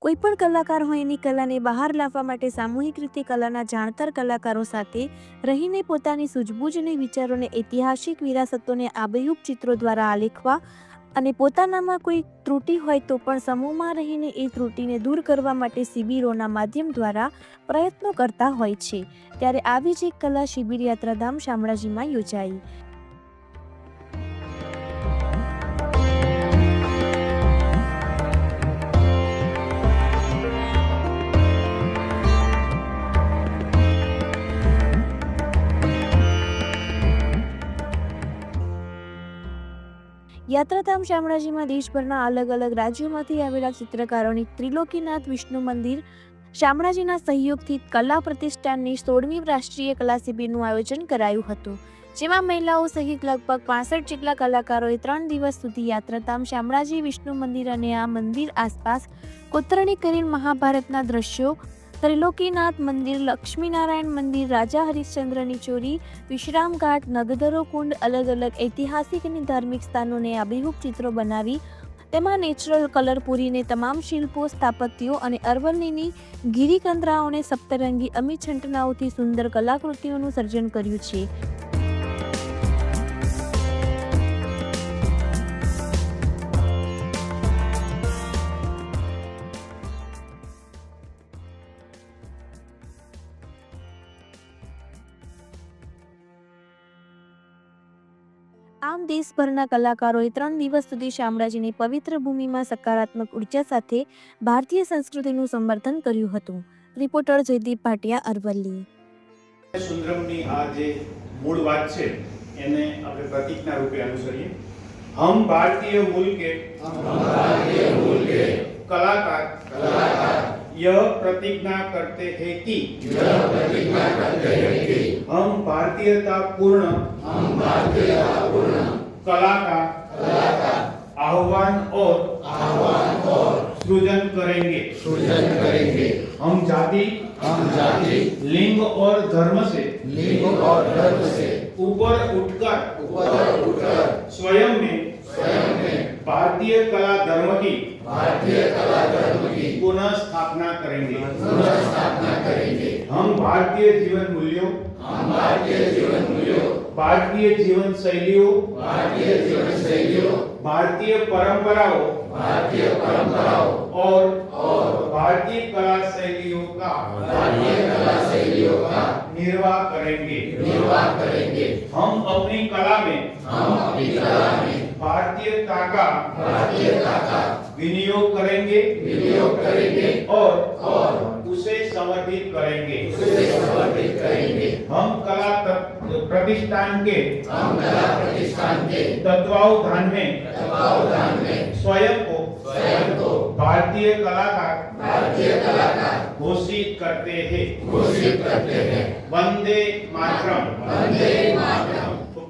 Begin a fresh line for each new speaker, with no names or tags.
કોઈપણ કલાકાર હોય એની કલાને બહાર લાવવા માટે સામૂહિક રીતે કલાના જાણકાર કલાકારો સાથે રહીને પોતાની સૂઝબૂઝ અને વિચારોને ઐતિહાસિક વિરાસતોને આબેહૂબ ચિત્રો દ્વારા આલેખવા અને પોતાનામાં કોઈ ત્રુટિ હોય તો પણ સમૂહમાં રહીને એ ત્રુટિને દૂર કરવા માટે શિબિરોના માધ્યમ દ્વારા પ્રયત્નો કરતા હોય છે। ત્યારે આવી જ એક કલા શિબિર યાત્રાધામ શામળાજીમાં યોજાઈ। યાત્રાધામ શામળાજીમાં દેશભરના અલગ અલગ રાજ્યોમાંથી આવેલા ચિત્રકારોની ત્રિલોકીનાથ વિષ્ણુ મંદિર શામળાજીના સહયોગથી કલા પ્રતિષ્ઠાનની 16મી રાષ્ટ્રીય કલા શિબિરનું આયોજન કરાયું હતું, જેમાં મહિલાઓ સહિત લગભગ 65 જેટલા કલાકારોએ 3 દિવસ સુધી યાત્રાધામ શામળાજી વિષ્ણુ મંદિર અને આ મંદિર આસપાસ કોતરણી કરીને મહાભારતના દ્રશ્યો, ત્રિલોકીનાથ મંદિર, લક્ષ્મીનારાયણ મંદિર, રાજા હરિશ્ચંદ્રની ચોરી, વિશ્રામ ઘાટ, નગદરો કુંડ, અલગ અલગ ઐતિહાસિક અને ધાર્મિક સ્થાનોને આબેહૂબ ચિત્રો બનાવી તેમાં નેચરલ કલર પૂરીને તમામ શિલ્પો, સ્થાપત્યો અને અરવલ્લીની ગિરિકંદરાઓને સપ્તરંગી અમી છંટનાઓથી સુંદર કલાકૃતિઓનું સર્જન કર્યું છે। આમ દેશભરના કલાકારોએ 3 દિવસ સુધી શામળાજીની પવિત્ર ભૂમિમાં સકારાત્મક ઉર્જા સાથે ભારતીય સંસ્કૃતિનું સમર્થન કર્યું હતું। રિપોર્ટર જયદીપ ભાટિયા, અરવલ્લી।
સુંદરમની આ જે મૂળ વાત છે એને આપણે પ્રતીકના રૂપે અનુસરીએ। હમ ભારતીય મૂલ કે कलाकार यह प्रतिज्ञा करते हैं कि हम भारतीयता पूर्ण कला का आह्वान और सृजन करेंगे। हम जाति लिंग और धर्म से ऊपर उठकर स्वयं में भारतीय कला धर्म की पुनः स्थापना करेंगे। हम भारतीय जीवन मूल्यों, भारतीय जीवन शैलियों, भारतीय परंपराओं और भारतीय कला शैलियों का निर्वाह करेंगे। हम अपनी कला में भारतीयता का विनियोग करेंगे और उसे समर्पित करेंगे। हम कला प्रतिष्ठान के तत्वावधान में स्वयं को भारतीय कलाकार घोषित करते हैं। वंदे मातरम।